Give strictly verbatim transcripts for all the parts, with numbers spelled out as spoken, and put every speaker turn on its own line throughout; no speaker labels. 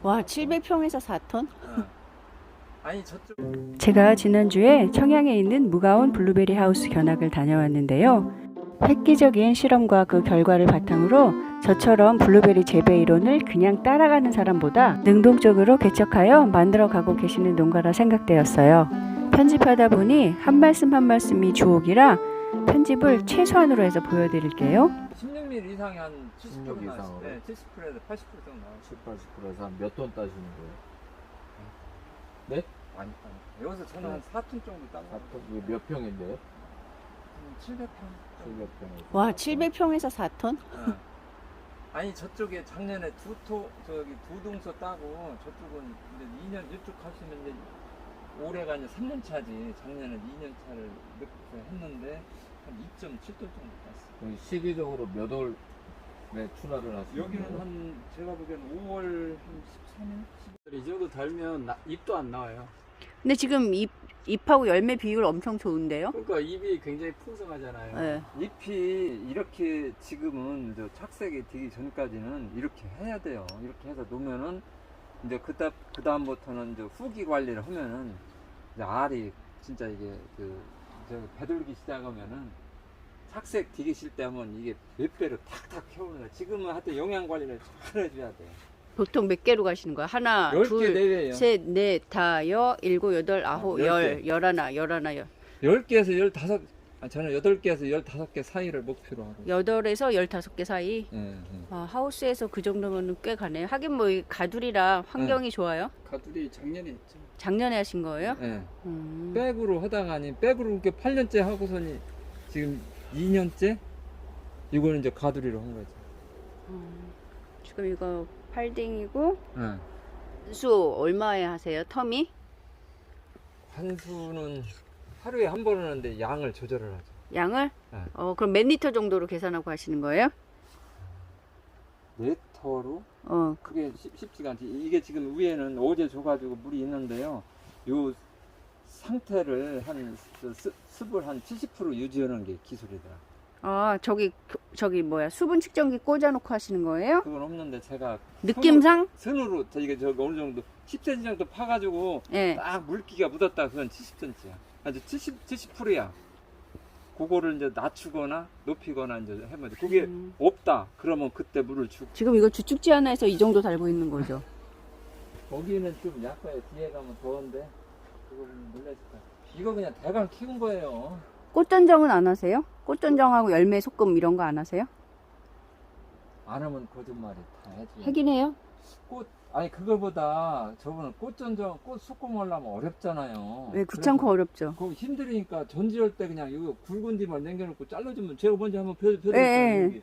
와, 칠백 평에서 사 톤?
어. 아니 저쪽.
제가 지난주에 청양에 있는 무가온 블루베리 하우스 견학을 다녀왔는데요. 획기적인 실험과 그 결과를 바탕으로 저처럼 블루베리 재배 이론을 그냥 따라가는 사람보다 능동적으로 개척하여 만들어가고 계시는 농가라 생각되었어요. 편집하다 보니 한 말씀 한 말씀이 주옥이라 편집을 최소한으로 해서 보여드릴게요.
십육 밀리미터 이상이 한 칠십
십육
정도
이상으로?
나와요. 네, 칠십 퍼센트에서 팔십 퍼센트 정도 나와요.
칠, 팔십 퍼센트에서 몇 톤 따시는 거예요? 네?
많이 따요. 여기서 저는 한 사 톤 정도 따요.
사 톤? 이게 몇 평인데요?
칠백 평.
칠백 평에서.
와, 칠백 평에서 사 톤?
어. 아니 저쪽에 작년에 두 토, 저기 두 동서 따고 저쪽은 이제 이 년 이쪽 하시면 이제 올해가 이제 삼 년 차지. 작년에 이 년 차를 이렇게 했는데 한 이 점 칠 톤 정도 땄어요.
그럼 시기적으로 몇 월에 출하를 하시는
여기는
거예요?
한 제가 보기엔 오월 한 십삼 일?
이 정도 달면 나- 잎도 안 나와요.
근데 지금 잎, 잎하고 열매 비율 엄청 좋은데요?
그러니까 잎이 굉장히 풍성하잖아요.
네.
잎이 이렇게 지금은 저 착색이 되기 전까지는 이렇게 해야 돼요. 이렇게 해서 놓으면은 이제 그다 그 다음부터는 이제 후기 관리를 하면은 이제 알이 진짜 이게 그 저 배돌기 시작하면은 착색 되기 싫을 때 하면 이게 몇 배로 탁탁 켜오는 거야. 지금은 하여튼 영양 관리를 잘 해줘야 돼.
보통 몇 개로 가시는 거예요? 하나,
열 개
둘,
내외예요.
셋, 넷, 다, 여, 일곱, 여덟, 아홉,
아, 열
열,
개.
열하나, 열하나, 열.
열 개에서 열다섯, 아, 저는 여덟 개에서 열다섯 개 사이를 목표로 하고.
여덟에서 열다섯 개 사이.
예, 예.
아, 하우스에서 그 정도면 꽤 가네요. 하긴 뭐 이 가두리라 환경이 좋아요.
가두리 작년에 했죠.
작년에 하신 거예요?
예.
음.
백으로 하다가니 백으로 이렇게 팔 년째 하고서니 지금 이 년째 이거는 이제 가두리로 한 거죠.
음. 지금 이거 팔딩이고
예.
수 얼마에 하세요? 텀이?
환수는 하루에 한 번 하는데 양을 조절을 하죠.
양을?
네.
어, 그럼 몇 리터 정도로 계산하고 하시는 거예요?
네터로
어,
그게 쉽, 쉽지가 않지. 이게 지금 위에는 어제 줘가지고 물이 있는데요. 요 상태를 한 습, 습을 한 칠십 퍼센트 유지하는 게 기술이더라.
아, 저기 저기 뭐야 수분 측정기 꽂아놓고 하시는 거예요?
그건 없는데 제가
느낌상?
선으로 이게 저 어느 정도 십 센티미터 정도 파가지고
예.
딱 물기가 묻었다. 그건 칠십 센티미터야. 아주 칠십 칠십 퍼센트야. 그거를 이제 낮추거나 높이거나 이제 해면 돼. 그게
음.
없다. 그러면 그때 물을 주고.
지금 이거 주축지 하나에서 이 정도 달고 있는 거죠?
거기는 좀 약해요. 뒤에 가면 더운데 그거는 몰라줄 거야. 이거 그냥 대강 키운 거예요.
꽃전정은 안 하세요? 꽃전정하고 열매 소금 이런 거 안 하세요?
안 하면 거짓말이 다 해지.
하긴 해요.
꽃 아니 그거보다 저번에 꽃전정 꽃 소금 하려면 어렵잖아요.
왜 귀찮고 어렵죠?
그거 힘드니까 전지할 때 그냥 이거 굵은 뒤만 남겨놓고 잘라주면 제가 먼저 한번 펴, 펴드렸잖아요.
예, 예.
여기.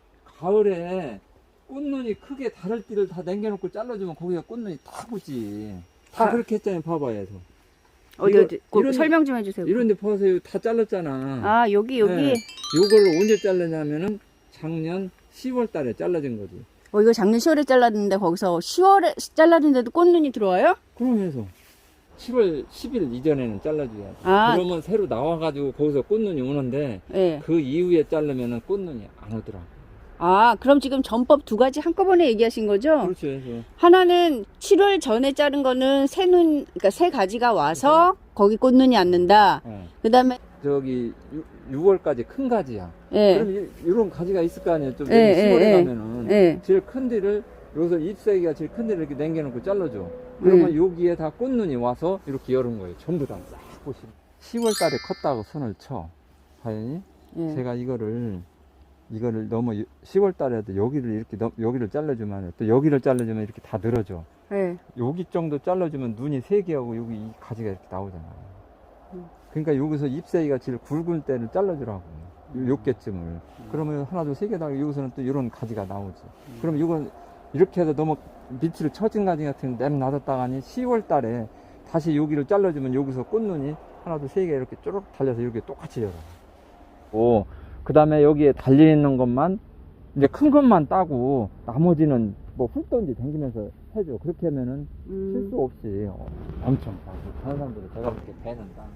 가을에 꽃눈이 크게 다를 띠를 다 남겨놓고 잘라주면 거기가 꽃눈이 다 굳지. 다
아.
그렇게 했잖아요. 봐봐요. 저.
어디
이거-
어디 그
이런-
설명 좀 해주세요.
이런데 보세요. 다 잘랐잖아.
아 여기 여기.
네. 요걸 언제 잘랐냐면은 작년 시월 달에 잘라진 거지.
어 이거 작년 시월에 잘랐는데 거기서 시월에 잘랐는데도 꽃눈이 들어와요?
그러면서 칠월 십일 이전에는 잘라줘야 돼.
아.
그러면 새로 나와가지고 거기서 꽃눈이 오는데
예.
그 이후에 자르면은 꽃눈이 안 오더라.
아 그럼 지금 전법 두 가지 한꺼번에 얘기하신 거죠?
그렇죠. 그래서
하나는 칠월 전에 자른 거는 새 눈, 그러니까 새 가지가 와서 거기 꽃눈이 앉는다.
어.
그 다음에,
저기 유월까지 큰 가지야.
예,
그럼 이, 이런 가지가 있을 거 아니에요. 좀
예,
시월에
예,
가면은
예.
제일 큰 데를 여기서 잎사귀가 제일 큰 데를 이렇게 남겨놓고 잘라줘. 그러면
음.
여기에 다 꽃눈이 와서 이렇게 열은 거예요. 전부 다 싹 꽃이. 시월 달에 컸다고 선을 쳐. 하연이
예.
제가 이거를 이거를 너무 시월 달에도 여기를 이렇게 넘- 여기를 잘라주면 또 여기를 잘라주면 이렇게 다 늘어져.
예.
여기 정도 잘라주면 눈이 세 개하고 여기 이 가지가 이렇게 나오잖아요.
음.
그러니까 여기서 잎사귀가 제일 굵은 때를 잘라주라고. 요- 요 개쯤을. 그러면 하나, 둘, 세 개 나고 여기서는 또 이런 가지가 나오지. 그럼 이건 이렇게 해서 너무 밑으로 처진 가지 같은 냄 놔뒀다가니 시월 달에 다시 여기를 잘라주면 여기서 꽃눈이 하나, 둘, 세 개 이렇게 쪼록 달려서 이렇게 똑같이 열어. 오, 그 다음에 여기에 달려있는 것만 이제 큰 것만 따고 나머지는 뭐 훑던지 댕기면서 해줘. 그렇게 하면은
음.
실수 없이 어, 엄청 따고 다른 사람들은 내가 그렇게 배는 따.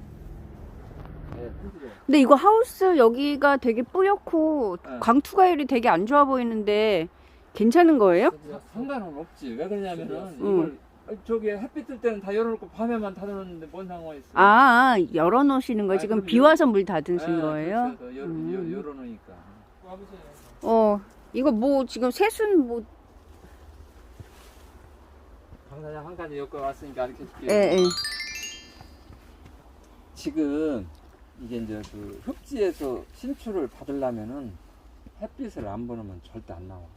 네, 힘들어요.
근데 이거 하우스 여기가 되게 뿌옇고
네.
광투가율이 되게 안 좋아 보이는데 괜찮은 거예요?
상관은 없지. 왜 그러냐면은
응.
이걸 저기 햇빛 뜰 때는 다 열어놓고 밤에만 닫아놓는데 뭔 상관이 있어?
아, 열어놓으시는 거
아니,
지금
그럼
비
열-
와서 물 닫으신
예,
거예요?
그렇죠. 열,
음.
열, 열어놓으니까.
어, 이거 뭐 지금 새순 뭐,
강사장 한 가지 엮어 왔으니까 가르쳐 줄게요.
예, 예.
지금 이게 이제 그 흡지에서 신출을 받으려면은 햇빛을 안 보내면 절대 안 나와.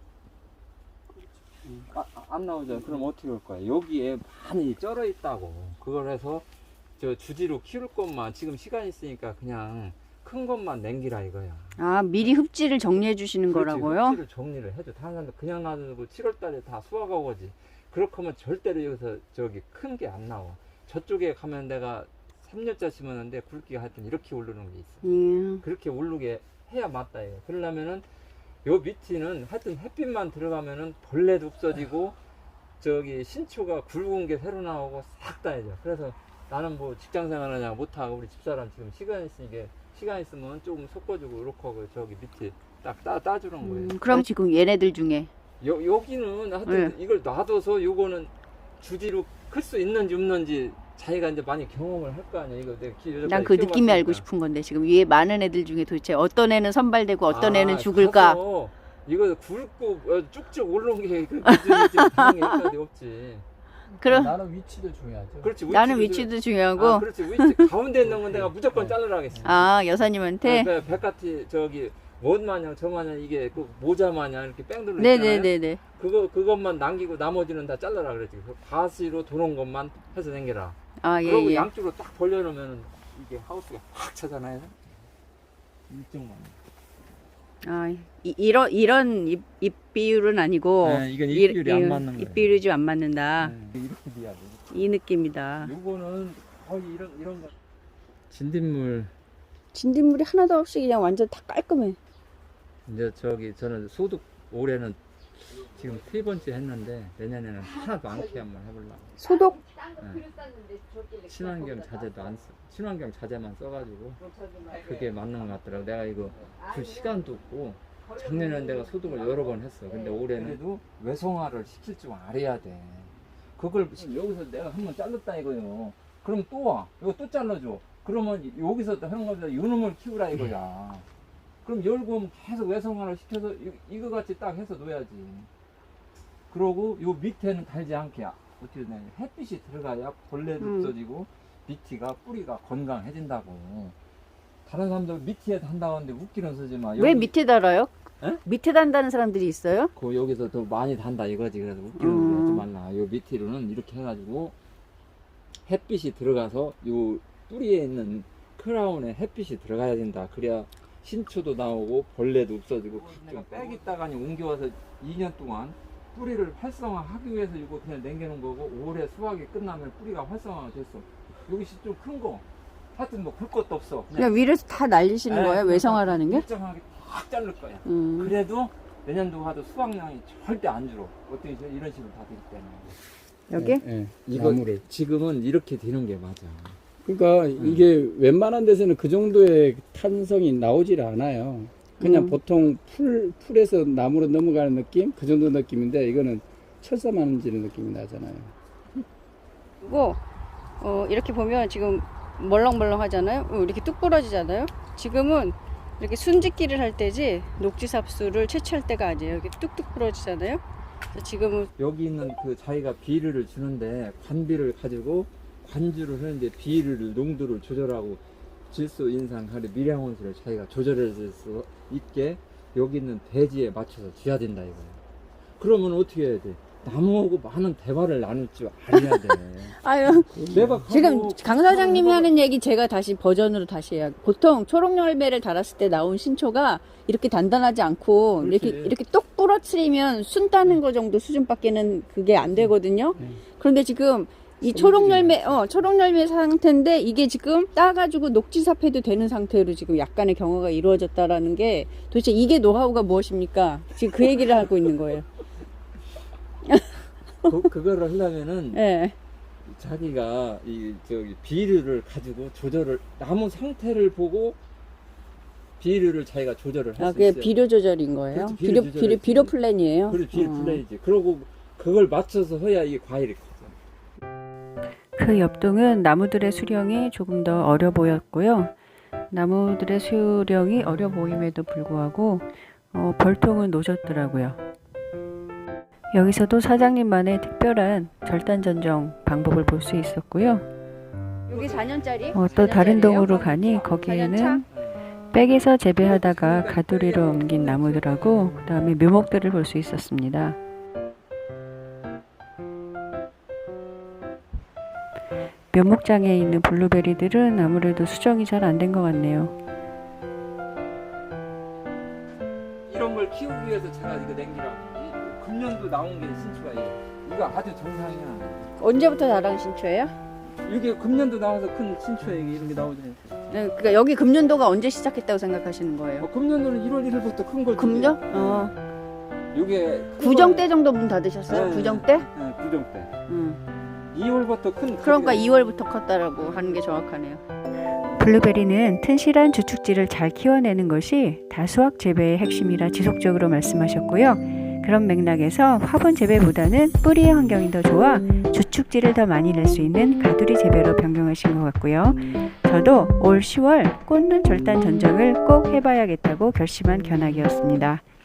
아, 아, 안 나오죠. 그럼 어떻게 할 거야? 여기에 많이 쩔어 있다고. 그걸 해서 저 주지로 키울 것만 지금 시간 있으니까 그냥 큰 것만 남기라 이거야.
아, 미리 흡지를 정리해 주시는
그렇지,
거라고요?
흡지를 정리를 해줘. 다른 사람들 그냥 놔두고 칠월 달에 다 수확하고 오지. 그렇게 하면 절대로 여기서 저기 큰 게 안 나와. 저쪽에 가면 내가 삼 년짜 심었는데 굵기가 하여튼 이렇게 오르는 게 있어.
예.
그렇게 오르게 해야 맞다 이거. 그러려면은 요 밑에는 하여튼 햇빛만 들어가면은 벌레도 없어지고 저기 신초가 굵은 게 새로 나오고 싹 다 해져. 그래서 나는 뭐 직장 생활하냐 못하고 우리 집사람 지금 시간 있으니까 시간 있으면 조금 섞어주고 이렇게 하고 저기 밑에 딱 따, 따주는 거예요.
음, 그럼 지금 얘네들 중에
여, 여기는 하여튼 이걸 놔둬서 요거는 주지로 클 수 있는지 없는지 자기가 이제 많이 경험을 할 거 아니야. 이거 내가 키,
난 그 느낌이 알고 싶은 건데 지금 위에 많은 애들 중에 도대체 어떤 애는 선발되고 어떤
아,
애는 죽을까?
가서 이거 굵고 어, 쭉쭉 올라온 게그 기준이지 당연히 여기까지 없지.
그럼
나는 위치도 중요하죠.
그렇지.
나는
위치도
위치도 중요하고
아, 그렇지. 위치 가운데 있는 건 내가 무조건 자르라 하겠어.
아 여사님한테
네, 백같이 저기 뭔 마냥 저 마냥 이게 그 모자 마냥 이렇게 뺑 둘러 있잖아요.
네네네네
그거 그것만 남기고 나머지는 다 잘라라 그랬지. 그 가시로 도는 것만 해서 당겨라.
아
그리고
예예
양쪽으로 딱 벌려놓으면 이게 하우스가 확 차잖아요. 이쪽만.
아 이, 이런 이런 입, 입 비율은 아니고
네, 이건 입
이-
비율이 안
이-
맞는 거예요.
입 비율이 좀 안 맞는다.
네, 이렇게 돼야 돼.
이 느낌이다.
요거는 거의 이런 이런 거. 진딧물
진딧물이 하나도 없이 그냥 완전 다 깔끔해.
이제 저기 저는 소득 올해는 지금 세 번째 했는데 내년에는 하나도 않게 한번 해보려고.
소독
네. 친환경 자재도 안 써. 친환경 자재만 써가지고 그게 맞는 것 같더라고. 내가 이거 그 시간도 없고 작년에는 내가 소독을 여러 번 했어. 근데 올해는 그래도 외성화를 시킬 줄 알아야 돼. 그걸 지금 여기서 내가 한번 잘랐다 이거요. 그럼 또 와. 이거 또 잘라줘. 그러면 여기서 하는 것보다 요놈을 키우라 이거야. 그럼 열고 계속 외성화를 시켜서 이, 이거 같이 딱 해서 놓아야지. 그러고 요 밑에는 달지 않게 어떻게 되냐 햇빛이 들어가야 벌레도
음.
없어지고 밑이가 뿌리가 건강해진다고. 다른 사람들 밑에 한다고 하는데 웃기는 쓰지 마.
왜
여기-
밑에 달아요?
에?
밑에 단다는 사람들이 있어요?
그 여기서 더 많이 단다 이거지. 그래서 웃기는
음.
소리 하지 말라. 요 밑으로는 이렇게 해가지고 햇빛이 들어가서 요 뿌리에 있는 크라운에 햇빛이 들어가야 된다. 그래야 신초도 나오고 벌레도 없어지고. 내가 빽 있다가니 옮겨와서 이 년 동안 뿌리를 활성화하기 위해서 이거 그냥 남겨놓은 거고 올해 수확이 끝나면 뿌리가 활성화가 됐어. 여기 좀 큰 거. 하여튼 뭐 볼 것도 없어.
그냥 위에서 다 날리시는
에,
거예요? 외성화라는 게?
일정하게 딱 자를 거야.
음.
그래도 내년도 가도 수확량이 절대 안 줄어. 어떻게 이런 식으로 다 되기 때문에.
여기?
예,
이거
나무를.
지금은 이렇게 되는 게 맞아.
그러니까 이게 웬만한 데서는 그 정도의 탄성이 나오질 않아요. 그냥
음.
보통 풀, 풀에서 나무로 넘어가는 느낌? 그 정도 느낌인데 이거는 철사 만지는 느낌이 나잖아요.
그리고 어, 이렇게 보면 지금 멀렁멀렁 하잖아요. 어, 이렇게 뚝 부러지잖아요. 지금은 이렇게 순짓기를 할 때지 녹지삽수를 채취할 때가 아니에요. 이렇게 뚝뚝 부러지잖아요. 그래서 지금은
여기 있는 그 자기가 비료를 주는데 관비를 가지고 관주를 하는데 비료를 농도를 조절하고 질소, 인상, 가리, 미량원수를 자기가 조절할 수 있게 여기 있는 대지에 맞춰서 줘야 된다 이거예요. 그러면 어떻게 해야 돼? 나무하고 많은 대화를 나눌 줄 알아야 돼.
아유
내가
지금
가고
강 사장님이
가고
하는 얘기 제가 다시 버전으로 다시 해요. 보통 초록열매를 달았을 때 나온 신초가 이렇게 단단하지 않고
그렇지.
이렇게 이렇게 똑 부러뜨리면 순 따는 거 정도 수준밖에는 그게 안 되거든요.
음.
그런데 지금 이 초록열매, 어, 초록열매 상태인데 이게 지금 따가지고 녹지삽해도 되는 상태로 지금 약간의 경화가 이루어졌다라는 게 도대체 이게 노하우가 무엇입니까? 지금 그 얘기를 하고 있는 거예요.
그, 그거를 하려면은
예.
자기가 이 저기 비료를 가지고 조절을 나무 상태를 보고 비료를 자기가 조절을 할
아,
수
그게
있어요.
비료 조절인 거예요?
그렇죠,
비료,
비료
비료,
조절이지.
비료 플랜이에요?
그래 비료
어.
플레이지. 그러고 그걸 맞춰서 해야 이게 과일이 커져.
그 옆동은 나무들의 수령이 조금 더 어려 보였고요. 나무들의 수령이 어려 보임에도 불구하고 어, 벌통은 노졌더라고요. 여기서도 사장님만의 특별한 절단 전정 방법을 볼 수 있었고요.
여기 사 년짜리?
어, 또 다른 동으로 가니 거기에는 백에서 재배하다가 가두리로 옮긴 나무들하고 그 다음에 묘목들을 볼 수 있었습니다. 묘목장에 있는 블루베리들은 아무래도 수정이 잘 안 된 것 같네요.
이런 걸 키우기 위해서 제가 이거 냉기라고 이 금년도 나온 게 신추가 이거. 이거 아주 정상이야.
언제부터 다랑 신초예요?
이게 금년도 나와서 큰 신추에 이게 이런 게 나오잖아요.
네, 그러니까 여기 금년도가 언제 시작했다고 생각하시는 거예요?
어, 금년도는 일월 일일부터 큰 걸.
금년? 어.
이게 큰
구정
걸-
때 정도 문 닫으셨어요?
네,
구정 때?
네, 구정 때.
응.
이월부터 큰.
그러니까
가지가-
이월부터 컸다라고 하는 게 정확하네요.
블루베리는 튼실한 주축지를 잘 키워내는 것이 다수학 재배의 핵심이라 지속적으로 말씀하셨고요. 그런 맥락에서 화분 재배보다는 뿌리의 환경이 더 좋아 주축지를 더 많이 낼 수 있는 가두리 재배로 변경하신 것 같고요. 저도 올 시월 꽂는 절단 전정을 꼭 해봐야겠다고 결심한 견학이었습니다.